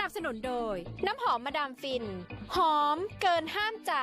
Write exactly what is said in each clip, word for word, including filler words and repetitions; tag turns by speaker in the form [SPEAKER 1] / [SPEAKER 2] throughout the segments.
[SPEAKER 1] นับสนุนโดยน้ำหอมมาดามฟินหอมเกินห้ามใจ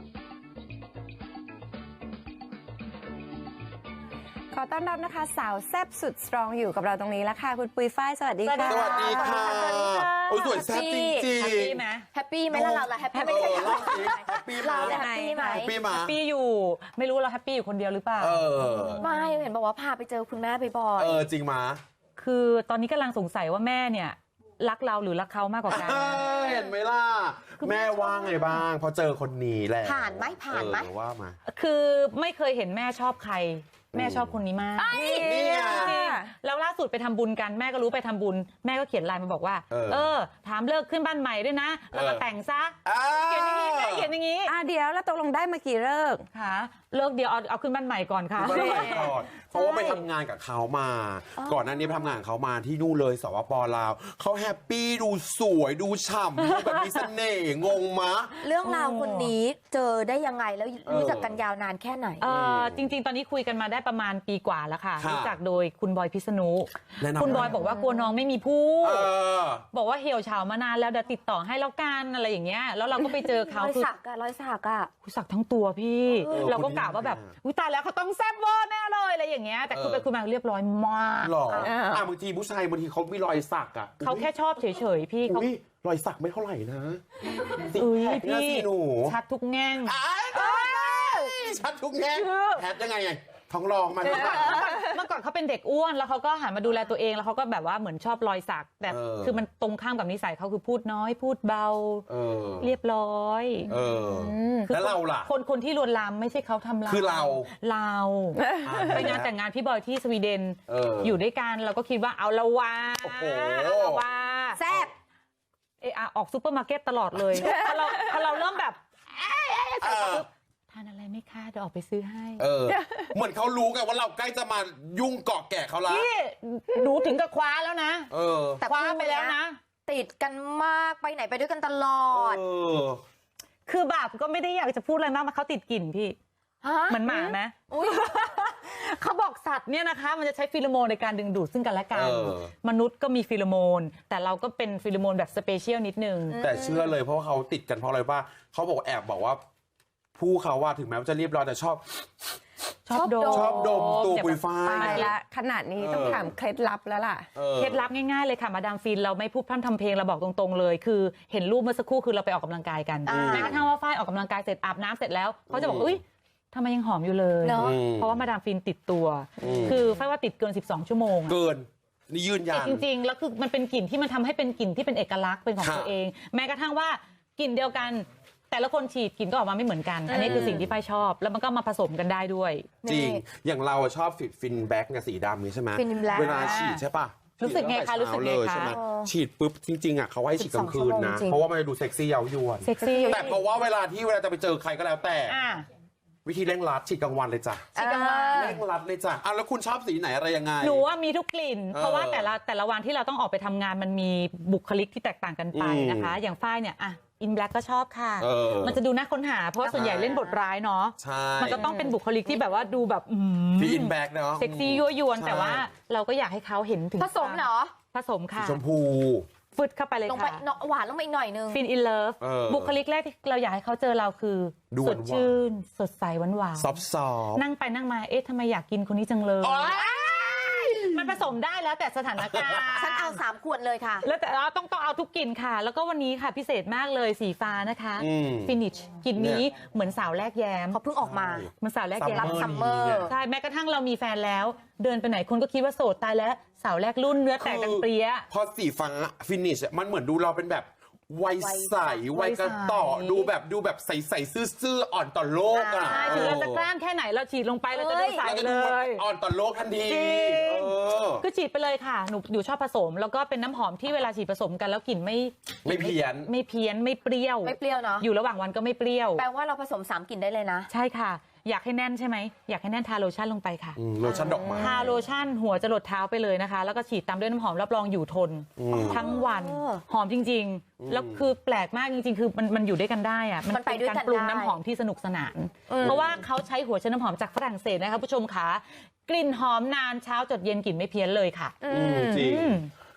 [SPEAKER 2] ขอต้อนรับนะคะสาวแซ่บสุดสตรองอยู่กับเราตรงนี้แล้วค่ะคุณปุยฝ้ายสวัสดีค่ะ
[SPEAKER 3] สวัสดีค่ะโอ้ยสวยแซ่บจริงจริง
[SPEAKER 4] แฮปปี้ไหมแฮปปี้ไหมล่ะเราล่ะแฮปปี้ไหม
[SPEAKER 3] แฮปปี้มา
[SPEAKER 4] เราแฮปปี้ไหม
[SPEAKER 3] แฮปปี้มา
[SPEAKER 5] แฮปปี้อยู่ไม่รู้เราแฮปปี้อยู่คนเดียวหรือเปล่า
[SPEAKER 3] เออ
[SPEAKER 4] ไม่เห็นบอกว่าพาไปเจอคุณแม่บ่อย
[SPEAKER 3] เออจริงมา
[SPEAKER 5] คือตอนนี้กำลังสงสัยว่าแม่เนี่ยรักเราหรือรักเขามากกว่ากัน
[SPEAKER 3] เห็นไหมล่ะแม่ว่าไงบ้างพอเจอคนนี้แหละ
[SPEAKER 4] ผ่านไหมผ่านไหม
[SPEAKER 3] เออว่ามา
[SPEAKER 5] คือไม่เคยเห็นแม่ชอบใครแม่ชอบคนนี้มาก
[SPEAKER 3] นี่ไง
[SPEAKER 5] จริงแล้วล่าสุดไปทำบุญกันแม่ก็รู้ไปทำบุญแม่ก็เขียนไลน์มาบอกว่า
[SPEAKER 3] เออ
[SPEAKER 5] เออ ถามเลิกขึ้นบ้านใหม่ด้วยนะแล้วก็
[SPEAKER 3] เออ
[SPEAKER 5] แต่งซะ
[SPEAKER 3] อ่า
[SPEAKER 5] เขียนอย่างนี้แม่เขียนอย่างนี้
[SPEAKER 2] อ่ะเดี๋ยวแล้วตกลงได้มากี่เลิกษ์
[SPEAKER 5] ค่ะเลิกเดียวเอาเอาขึ้นบ้านใหม่ก่อนค่ะ
[SPEAKER 3] เมื่อไหร่ก่อนเพราะว่าไปทำงานกับเขามา ก่อนหน้านี้ไปทำงานกับเขามาที่นู่นเลยสปปลาวเขาแฮปปี้ดูสวยดูฉ่ำดูแบบมีเสน่ห์งงมะ
[SPEAKER 4] ๆ เรื่องราวคนนี้เจอได้ยังไงแล้วรู้จักกันยาวนานแค่ไหน
[SPEAKER 5] เออจริง ๆ ตอนนี้คุยกันมาได้ประมาณปีกว่าแล้วค่ะ
[SPEAKER 3] ค่ะ
[SPEAKER 5] รู้จักโดยคุณบอยพิษณุ
[SPEAKER 3] แนะนำ
[SPEAKER 5] คุณบอยบอกว่ากลัวน้องไม่มีผู้
[SPEAKER 3] เออ
[SPEAKER 5] บอกว่าเหี่ยวเฉามานานแล้วเดี๋ยวติดต่อให้แล้วกันอะไรอย่างเงี้ยแล้วเราก็ไปเจอ
[SPEAKER 4] ร
[SPEAKER 5] เขา
[SPEAKER 4] อย
[SPEAKER 5] คือ
[SPEAKER 4] สักอะรอยสักอะ
[SPEAKER 5] คุยสักทั้งตัวพี่
[SPEAKER 3] เออ
[SPEAKER 5] เราก็กะว่าแบบ
[SPEAKER 3] คนนี้
[SPEAKER 5] อุ้ยตายแล้วเขาต้องแซ่บเวอร์แน่เลยอะไรอย่างเงี้ยแต่คุยไปคุยมาเรียบร้อยมาก
[SPEAKER 3] หรออ่ะบางทีผู้ชายบางทีเขามีรอยสักอ่ะ
[SPEAKER 5] เขาแค่ชอบเฉยๆพี่เขา
[SPEAKER 3] อุ้ยรอยสักไม่เท่าไหร่นะสิ
[SPEAKER 5] อุ้ย
[SPEAKER 3] แพคนะ
[SPEAKER 5] พี่
[SPEAKER 3] สิหนู
[SPEAKER 5] ชัดทุกแง่ง
[SPEAKER 3] อ้ายชัดทุกแง่แพทยังไงไงท้องรองมาทุกวัน
[SPEAKER 5] เมื่อก่อนเขาเป็นเด็กอ้วนแล้วเขาก็หันมาดูแลตัวเองแล้วเขาก็แบบว่าเหมือนชอบรอยสักแต่
[SPEAKER 3] เออ
[SPEAKER 5] คือมันตรงข้ามกับนิสัยเขาคือพูดน้อยพูดเบา
[SPEAKER 3] เออ
[SPEAKER 5] เรียบร้อย
[SPEAKER 3] เออแล้วเราล่ะ
[SPEAKER 5] คนคนที่ลวนลามไม่ใช่เขาทำเรา
[SPEAKER 3] คือเรา
[SPEAKER 5] เรา ไปงานแต่งงานพี่บอยที่สวีเดน
[SPEAKER 3] เออ
[SPEAKER 5] อ
[SPEAKER 3] อยู่
[SPEAKER 5] ด้วยกันเราก็คิดว่าเอาละวา
[SPEAKER 3] โอ้โห
[SPEAKER 5] เอาละวา
[SPEAKER 4] แซ่บ
[SPEAKER 5] เอออะออกซูเปอร์มาร์เก็ตตลอดเลยพอเราพอเราเริ่มแบบเอ๊ะเอ๊ะเสร็จปุ๊บทานอะไรไหมคะเดี๋ยวออกไปซื้อให้
[SPEAKER 3] เออ เหมือนเขารู้ไงว่าเราใกล้จะมายุ่งเกาะแกะเขาละ
[SPEAKER 5] พี่หนูถึงกับคว้าแล้วนะ
[SPEAKER 3] เออ
[SPEAKER 4] แต่
[SPEAKER 5] คว้าไปแล้วนะ
[SPEAKER 4] ติดกันมากไปไหนไปด้วยกันตลอด
[SPEAKER 3] เออ
[SPEAKER 5] คือแบบก็ไม่ได้อยากจะพูดอะไรมากมันเขาติดกลิ่นพี่
[SPEAKER 4] ฮะ
[SPEAKER 5] เหมือนหมาไหม
[SPEAKER 4] อุ๊ย
[SPEAKER 5] เขาบอกสัตว์เนี่ยนะคะ มันจะใช้ฟีโรโมนในการดึงดูดซึ่งกันและกัน
[SPEAKER 3] เออ
[SPEAKER 5] มนุษย์ก็มีฟีโรโมน แต่เราก็เป็นฟีโรโมนแบบสเปเชียลนิดนึง
[SPEAKER 3] แต่เชื่อเลยเพราะว่าเขาติดกันเพราะอะไรว่าเขาบอกแอบบอกว่า ผู้เขาว่าถึงแม้ว่าจะเรียบร้อยแต่ชอบ
[SPEAKER 5] ชอบโดม
[SPEAKER 3] ชอบดมตัวปุยฝ้าย
[SPEAKER 2] ตายละขนาดนี้ต้องถามเคล็ดลับแล้วล่ะ
[SPEAKER 3] ออ
[SPEAKER 5] เคล็ดลับง่ายๆเลยค่ะมาดามฟินเราไม่พูดพร่ำทำเพลงเราบอกตรงๆเลย คือเห็นรูปเมื่อสักครู่คือเราไปออกกำลังกายกัน
[SPEAKER 4] อ่า
[SPEAKER 5] แม้กระทั่งว่าฝ้ายออกกำลังกายเสร็จอาบน้ำเสร็จแล้วเขาจะบอก
[SPEAKER 3] อืม
[SPEAKER 5] อุ้ยทำไมยังหอมอยู่เลย
[SPEAKER 4] เนอะ
[SPEAKER 3] อืม
[SPEAKER 5] เพราะว่ามาดามฟินติดตัว
[SPEAKER 3] อืม
[SPEAKER 5] คือฝ้ายว่าติดเกินสิบสองชั่วโมงอะ
[SPEAKER 3] เกิน นี่ยืนยั
[SPEAKER 5] ติด
[SPEAKER 3] น
[SPEAKER 5] จริงๆแล้วคือมันเป็นกลิ่นที่มันทำให้เป็นกลิ่นที่เป็นเอกลักษณ์เป็นของ
[SPEAKER 3] ค่ะ
[SPEAKER 5] ตัวเอง แม้กระทั่งว่ากลิ่นเดียวกัน แต่ละคนฉีดกลิ่นก็ออกมาไม่เหมือนกัน อันนี้คือสิ่งที่ฝ้ายชอบ แล้วมันก็มาผสมกันได้ด้วย
[SPEAKER 3] จริง
[SPEAKER 4] นี่
[SPEAKER 3] อย่างเราอะชอบฟินฟินแบ็กเนี่ยสีดำนี้ใช่ไหม
[SPEAKER 4] ฟินแบล็ค
[SPEAKER 3] เวลาฉีดใช่ปะ
[SPEAKER 5] รู้สึกไงคะ
[SPEAKER 3] ฉีด
[SPEAKER 5] รู้สึกไง
[SPEAKER 3] ตั้แต่
[SPEAKER 5] คะ
[SPEAKER 3] เช้าเลยใช่ไหม
[SPEAKER 4] เออ
[SPEAKER 3] ฉีดปุ๊บจริงๆอ่ะเขาให้ฉีดกลางคืนนะ
[SPEAKER 4] สิบสองชั่วโมงจริง
[SPEAKER 3] เพราะว่ามันจะดูเซ็กซี่เย้ายวน
[SPEAKER 5] เซ็กซี่
[SPEAKER 3] แต่เพราะว่าเวลาที่เวลาจะไปเจอใครก็แล้วแต่
[SPEAKER 5] อ่ะ
[SPEAKER 3] วิธีเร่งรัดฉีดกลางวันเลยจ้ะ
[SPEAKER 5] ฉีดกลางวัน
[SPEAKER 3] เร่งรัดเลยจ้ะอ่ะแล้วคุณชอบสีไหนอะไรยังไง
[SPEAKER 5] หนูว่ามีทุกกลิ่น
[SPEAKER 3] เออ
[SPEAKER 5] เพราะว่าแต่ละแต่ละวันที่เราต้องออกไปทำงานมันมีบุคลิกที่แตกต่างกันไป
[SPEAKER 3] อืม
[SPEAKER 5] นะคะ อย่างฝ้ายเนี่ยอ่ะอินแบล็กก็ชอบค่ะ
[SPEAKER 3] เออ
[SPEAKER 5] มันจะดูน่าค้นหา เพราะว่าส่วนใหญ่เล่นบทร้ายเนาะ
[SPEAKER 3] ใช่
[SPEAKER 5] มันก็ต้องเป็นบุคลิกที่แบบว่าดูแบบอืม
[SPEAKER 3] ฟินแบ็กเนาะ
[SPEAKER 5] เซ็กซี่ยั่วยวน
[SPEAKER 3] ใช่
[SPEAKER 5] แต่ว่าเราก็อยากให้เขาเห็นถึง
[SPEAKER 4] ผสมเหรอ
[SPEAKER 5] ผสม
[SPEAKER 3] สี
[SPEAKER 5] ค่ะ
[SPEAKER 3] ชมพู
[SPEAKER 5] ฟึดเข้าไปเลย
[SPEAKER 4] ลงไป
[SPEAKER 5] ค่ะ
[SPEAKER 4] เนาะหวานลงไปอีกหน่อยนึง
[SPEAKER 5] ฟินอินเลิฟ
[SPEAKER 3] เออ
[SPEAKER 5] บุคลิกแรกที่เราอยากให้เขาเจอเราคือ
[SPEAKER 3] ดู
[SPEAKER 5] ส
[SPEAKER 3] หวา
[SPEAKER 5] ด
[SPEAKER 3] นๆ
[SPEAKER 5] ชื่น สดใสหวานหวาน
[SPEAKER 3] ซอฟซอฟ
[SPEAKER 5] นั่งไปนั่งมาเอ๊ะทำไมอยากกินคนนี้จังเลย
[SPEAKER 3] โอ๊ย
[SPEAKER 5] มันผสมได้แล้วแต่สถานการณ์
[SPEAKER 4] ฉันเอาสามขวดเลยค่ะ
[SPEAKER 5] แล้วแต่เราต้องต้องเอาทุกกลิ่นค่ะ แล้วก็วันนี้ค่ะพิเศษมากเลยสีฟ้านะคะ
[SPEAKER 3] อืม
[SPEAKER 5] ฟินิชกลิ่นนี้เหมือนสาวแรกแย้ม
[SPEAKER 4] เขาเพิ่งออกมา
[SPEAKER 5] เหมันสาวแรกแย้
[SPEAKER 4] รั
[SPEAKER 5] ม
[SPEAKER 4] บซัมเมอร์
[SPEAKER 5] ใช่แม้กระทั่งเรามีแฟนแล้ว เดินไปไหนคนก็คิดว่าโสดตายแล้วสาวแรกรุ่นเนื้อแตกดังเปรี้ย
[SPEAKER 3] พอสีฟ้าฟินิชมันเหมือนดูเราเป็นแบบวัยใส
[SPEAKER 5] วั
[SPEAKER 3] วัย
[SPEAKER 5] ย
[SPEAKER 3] ก
[SPEAKER 5] ใส
[SPEAKER 3] ระต่อดูแบบดูแบบใสๆซื่อๆอ่อนต่อโลกอ่ะ
[SPEAKER 5] ใช่ถึงเราจะกล้ามแค่ไหนเราฉีดลงไปเราจะดูใส
[SPEAKER 3] เราจะ
[SPEAKER 5] เล
[SPEAKER 3] ดู
[SPEAKER 5] ย
[SPEAKER 3] อ่อนต่อโลกทันที
[SPEAKER 5] จริง
[SPEAKER 3] เออ
[SPEAKER 5] คือฉีดไปเลยค่ะหนูหนูชอบผสม แล้วก็เป็นน้ำหอมที่เวลาฉีดผสมกันแล้วกลิ่นไม่
[SPEAKER 3] ไม่เพี้ยน
[SPEAKER 5] ไม่เพี้ยนไม่เปรี้ยว
[SPEAKER 4] ไม่เปรี้ยวเนาะ
[SPEAKER 5] อยู่ระหว่างวันก็ไม่เปรี้ยว
[SPEAKER 4] แปลว่าเราผสมสามกลิ่นได้เลยนะ
[SPEAKER 5] ใช่ค่ะ อยากให้แน่นใช่ไหมอยากให้แน่นทาโลชั่นลงไปค่ะ
[SPEAKER 3] อืมโลชั่นดอกไม้
[SPEAKER 5] ทาโลชั่นหัวจะหลดเท้าไปเลยนะคะ แล้วก็ฉีดตามด้วยน้ำหอมรับรองอยู่ทน
[SPEAKER 3] อืม
[SPEAKER 5] ทั้งวัน
[SPEAKER 4] เออ
[SPEAKER 5] หอมจริง ๆ แล้วคือแปลกมากจริงๆ คือมันมันอยู่ด้วยกันได้อะ
[SPEAKER 4] มันไปด้วยกัน
[SPEAKER 5] การปรุง
[SPEAKER 4] ได้
[SPEAKER 5] น้ำหอมที่สนุกสนาน
[SPEAKER 4] อืม
[SPEAKER 5] เพราะว่าเขาใช้หัวเชื้อน้ำหอมจากฝรั่งเศสนะคะผู้ชมค่ะกลิ่นหอมนานเช้าจดเย็นกลิ่นไม่เพี้ยนเลยค่ะ
[SPEAKER 4] อื
[SPEAKER 3] อืม
[SPEAKER 4] ม
[SPEAKER 3] จริง
[SPEAKER 5] อืม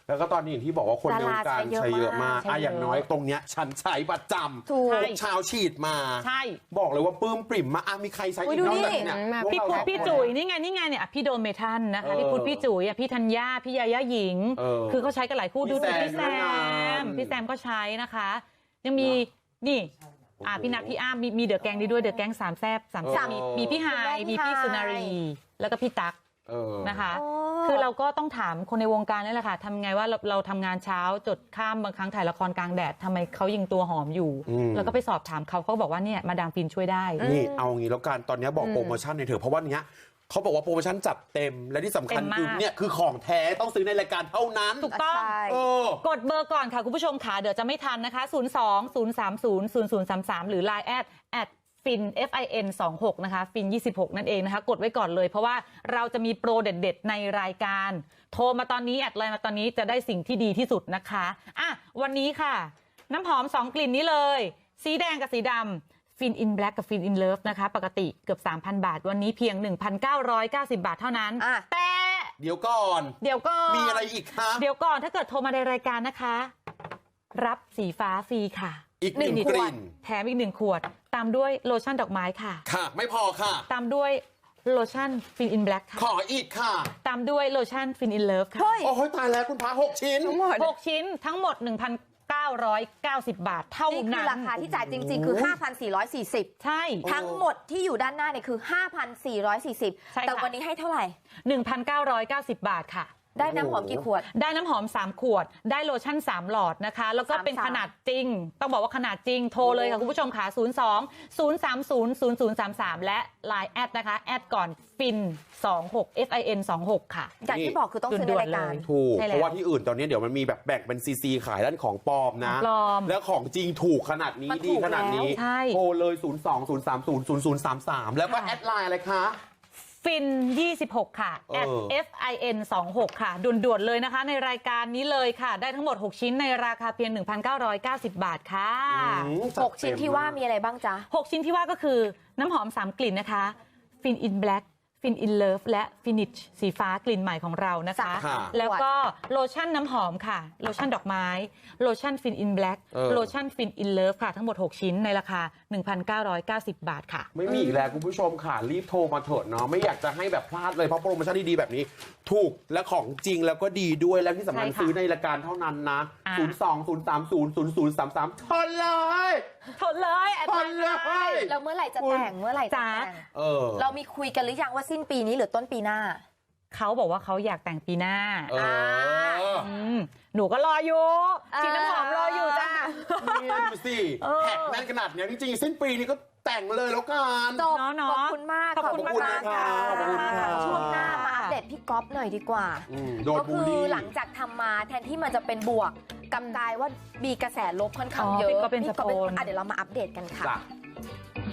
[SPEAKER 3] แล้วก็ตอนนี้อย่างที่บอกว่าคนในวงการ
[SPEAKER 4] ดาราใช้
[SPEAKER 3] ใช้
[SPEAKER 4] เย
[SPEAKER 3] เย
[SPEAKER 4] อะมาม
[SPEAKER 3] อะาก กอ่ะอย่างน้อยตรงเนี้ยฉันใช้ประจำ
[SPEAKER 4] ถูก
[SPEAKER 3] ทุกเช้าฉีดมา
[SPEAKER 5] ใช่
[SPEAKER 3] บอกเลยว่าปลื้มปริ่มมากอ่ะมีใครใช้
[SPEAKER 4] อุ๊
[SPEAKER 3] อี
[SPEAKER 4] ย
[SPEAKER 3] ก
[SPEAKER 4] ดู
[SPEAKER 3] นอก
[SPEAKER 4] นี่
[SPEAKER 3] จากเนี่ย
[SPEAKER 2] มา
[SPEAKER 3] พวก
[SPEAKER 5] พี่
[SPEAKER 3] เรา
[SPEAKER 5] พุทธ
[SPEAKER 3] สอง
[SPEAKER 5] พี่
[SPEAKER 3] คน
[SPEAKER 5] จุ๋ยนี่ไงนี่ไงเนี่ยอ่ะพี่โดมเมทันนะคะ
[SPEAKER 3] เออ
[SPEAKER 5] พี่พุทธพี่จุ๋ยอ่ะพี่ธัญญาพี่ยาย่าหญิง
[SPEAKER 3] เออ
[SPEAKER 5] คือเขาใช้กันหลายคู่
[SPEAKER 3] พี่
[SPEAKER 5] ดู
[SPEAKER 3] แซม
[SPEAKER 5] พี่แซ
[SPEAKER 3] ด้วยนะ
[SPEAKER 5] มพี่แซมก็ใช้นะคะ ยังมีนี่อ่ะพี่นัทพี่อ้ามมีมีเดอะแกงนี้ด้วยเดอะแกงสามแซบสามแซบ
[SPEAKER 3] เออ
[SPEAKER 5] มีมีพี่ไฮาย
[SPEAKER 4] คุณแม่พี่
[SPEAKER 5] มีพี่
[SPEAKER 4] ไฮาย
[SPEAKER 5] สุนารี แล้วก็พี่ตั๊ก
[SPEAKER 3] เออ
[SPEAKER 5] นะคะ
[SPEAKER 4] โอ้
[SPEAKER 5] คือเราก็ต้องถามคนในวงการนี่แหละค่ะทำไงว่าเราเราทำงานเช้าจดข้ามบางครั้งถ่ายละครกลางแดดทำไมเขายิงตัวหอมอยู่
[SPEAKER 3] อืม
[SPEAKER 5] แล้วก็ไปสอบถามเขาเขาบอกว่าเนี่ยมาดามฟินช่วยได้
[SPEAKER 3] นี่เอางี้แล้วกันตอนนี้บอกโปรโมชั่นในอยเถอะเพราะว่าเนี้ยเขาบอกว่าโปรโมชั่นจัดเต็มและที่สำคัญ
[SPEAKER 5] เต็มมาก
[SPEAKER 3] คือเนี่ยคือของแท้ต้องซื้อในรายการเท่านั้น
[SPEAKER 5] ถูกต้อง
[SPEAKER 4] ใช่
[SPEAKER 3] เออ
[SPEAKER 5] กดเบอร์ก่อนค่ะคุณผู้ชมค่ะเดี๋ยวจะไม่ทันนะคะ ศูนย์ สอง ศูนย์ สาม ศูนย์ ศูนย์ ศูนย์ สาม สาม หรือ ไลน์ แอด แอด ฟิน เอฟ ไอ เอ็น สองหก นะคะ ฟิน ยี่สิบหก นั่นเองนะคะ กดไว้ก่อนเลยเพราะว่าเราจะมีโปรเด็ดๆ ในรายการ โทรมาตอนนี้ แอดไลน์มาตอนนี้จะได้สิ่งที่ดีที่สุดนะคะอ่ะวันนี้ค่ะ น้ำหอม สอง กลิ่นนี้เลย สีแดงกับสีดำฟินอินแบล็กกับฟินอินเลิฟนะคะ ปกติเกือบ สามพัน บาท วันนี้เพียง หนึ่งพันเก้าร้อยเก้าสิบ บาทเท่านั้น
[SPEAKER 4] อ่ะ
[SPEAKER 5] แต่
[SPEAKER 3] เดี๋ยวก่อน
[SPEAKER 5] เดี๋ยวก่อน
[SPEAKER 3] มีอะไรอีกคะ
[SPEAKER 5] เดี๋ยวก่อนถ้าเกิดโทรมาในรายการนะคะ รับสีฟ้าฟรีค่ะ
[SPEAKER 3] อีกหนึ่ง
[SPEAKER 5] หนึ่ง
[SPEAKER 3] กลิ่น
[SPEAKER 5] แถมอีกหนึ่งขวด ตามด้วยโลชั่นดอกไม้ค่ะ
[SPEAKER 3] ค่ะ ไม่พอค่ะ
[SPEAKER 5] ตามด้วยโลชั่นฟินอินแบล็ก
[SPEAKER 3] ข
[SPEAKER 5] ค่ะ
[SPEAKER 3] ออีกค่ะ
[SPEAKER 5] ตามด้วยโลชั่นฟินอินเลิฟค่ะ
[SPEAKER 4] เฮ้ย
[SPEAKER 3] โอ้โหตายแล้วคุณพระหกชิ้น
[SPEAKER 2] ทั้งหมด
[SPEAKER 5] หกชิ้นทั้งหมด หนึ่งพันเก้าร้อยเก้าสิบ บาทเท่า
[SPEAKER 4] นี่คื
[SPEAKER 5] นั้
[SPEAKER 4] อน ราคาที่จ่ายจริง ๆ คือ ห้าพันสี่ร้อยสี่สิบ
[SPEAKER 5] ใช่
[SPEAKER 4] ทั้งหมดที่อยู่ด้านหน้าเนี่ยคือ ห้าพันสี่ร้อยสี่สิบ
[SPEAKER 5] ใช่ค่ะ
[SPEAKER 4] แต่วันนี้ให้เท่าไหร่
[SPEAKER 5] หนึ่งพันเก้าร้อยเก้าสิบ บาทค่ะ
[SPEAKER 4] ได้น้ำหอมกี่ขวด
[SPEAKER 5] ได้น้ำหอม สาม ขวด ได้โลชั่น สาม หลอดนะคะ แล้วก็
[SPEAKER 4] สาม
[SPEAKER 5] เป็น
[SPEAKER 4] สาม
[SPEAKER 5] ขนาดจริง ต้องบอกว่าขนาดจริง โทรเลยค่ะ คุณผู้ชมค่ะ ศูนย์ สอง ศูนย์ สาม ศูนย์ ศูนย์ ศูนย์ สาม สาม และ ไลน์ แอดนะคะ แอดก่อนฟิน สองหก เอฟ ไอ เอ็น สองหก ค่ะ
[SPEAKER 4] อย่างที่บอกคือต้องซื้อในรายการ
[SPEAKER 3] ถูก
[SPEAKER 5] ใช่แล้ว
[SPEAKER 3] เพราะว่าที่อื่นตอนนี้เดี๋ยวมันมีแบบแบ่งเป็นซีซีขายด้านของปลอมนะ
[SPEAKER 5] ของปลอม
[SPEAKER 3] แล้วของจริงถูกขนาดนี้
[SPEAKER 4] มันถู
[SPEAKER 3] ดี
[SPEAKER 4] ก
[SPEAKER 3] ขนาดนี้
[SPEAKER 4] แล้ว
[SPEAKER 5] ใช่
[SPEAKER 3] โทรเลย ศูนย์ สอง ศูนย์ สาม ศูนย์ ศูนย์ ศูนย์ สาม สาม แล้วก็
[SPEAKER 5] ค่ะ
[SPEAKER 3] แอดไลน์อะไรคะ
[SPEAKER 5] ฟิน ยี่สิบหก ค่ะ
[SPEAKER 3] เออ
[SPEAKER 5] แอด เอฟ ไอ เอ็น สองหก ค่ะ ด่วนๆเลยนะคะ ในรายการนี้เลยค่ะ ได้ทั้งหมด หก ชิ้นในราคาเพียง หนึ่งพันเก้าร้อยเก้าสิบ บาทค่ะ
[SPEAKER 3] อืมจัด
[SPEAKER 4] หกชิ้นที่ว่ามีอะไรบ้างจ๊ะ
[SPEAKER 5] หก ชิ้นที่ว่าก็คือน้ำหอม สาม กลิ่นนะคะ ฟินอินแบล็กฟินอินเลิฟและฟินิชสีฟ้ากลิ่นใหม่ของเรานะคะ
[SPEAKER 3] ค่ะ
[SPEAKER 5] แล้วก็โลชั่นน้ำหอมค่ะ โลชั่นดอกไม้ โลชั่นฟินอินแบล็ก
[SPEAKER 3] เออ
[SPEAKER 5] โลชั่นฟินอินเลิฟค่ะ ทั้งหมด หก ชิ้นในราคา หนึ่งพันเก้าร้อยเก้าสิบ บาทค่ะ
[SPEAKER 3] ไม่มีอีกแล้วคุณผู้ชมค่ะ รีบโทรมาเถอะเนาะไม่อยากจะให้แบบพลาดเลยเพราะโปรโมชั่นดีๆแบบนี้ ถูกและของจริงแล้วก็ดีด้วยแล้วที่สำคัญ
[SPEAKER 5] ใช่ค่ะ
[SPEAKER 3] ซื้อในรายการเท่านั้นนะ
[SPEAKER 5] อ่า
[SPEAKER 3] ศูนย์ สอง ศูนย์ สาม ศูนย์ ศูนย์ ศูนย์ สาม สามทนเลย
[SPEAKER 5] ทนเลยแอด
[SPEAKER 3] ท
[SPEAKER 5] ไล
[SPEAKER 3] น
[SPEAKER 5] น์
[SPEAKER 3] เลย
[SPEAKER 4] แล้วเมื่อไหร่จะแต่งเมื่อไหร่จะ
[SPEAKER 5] จ๊ะ
[SPEAKER 4] แต่ง
[SPEAKER 3] เออ
[SPEAKER 4] เรามีคุยกันหรือยังว่าสิ้นปีนี้หรือต้นปีหน้า
[SPEAKER 5] เขาบอกว่าเขาอยากแต่งปีหน้า
[SPEAKER 3] เออ
[SPEAKER 5] มหนูก็รออยู่
[SPEAKER 4] เออ
[SPEAKER 5] ฉีดน้ำหอมรออยู่จ้า
[SPEAKER 3] นี่ดูสิแท็กแน่นขนาดเนี้ยจริงๆสิ้นปีนี้ก็แต่งเลยแล้วกัน
[SPEAKER 4] จบ
[SPEAKER 5] เนาะเนาะ
[SPEAKER 4] ขอบคุณมาก
[SPEAKER 5] ขอบคุณ
[SPEAKER 3] มากค่ะขอบคุณค่ะ
[SPEAKER 4] ช่วงหน้ามาอัปเดตพี่ก๊อฟหน่อยดีกว่า
[SPEAKER 3] อืมโดน
[SPEAKER 4] ก็
[SPEAKER 3] บู
[SPEAKER 4] คื
[SPEAKER 3] ล
[SPEAKER 4] อ
[SPEAKER 3] ลี่
[SPEAKER 4] หลังจากทำมาแทนที่มันจะเป็นบวกกลับกลายว่ามีกระแสลบค่อนข้าง
[SPEAKER 5] อ๋อ
[SPEAKER 4] เยอะ
[SPEAKER 5] พี่ก๊อฟเป็น
[SPEAKER 4] พี่ก๊อฟเป็น
[SPEAKER 5] สโปน
[SPEAKER 4] อ่ะเดี๋ยวเรามาอัปเดตกันค่ะ
[SPEAKER 3] จ้ะ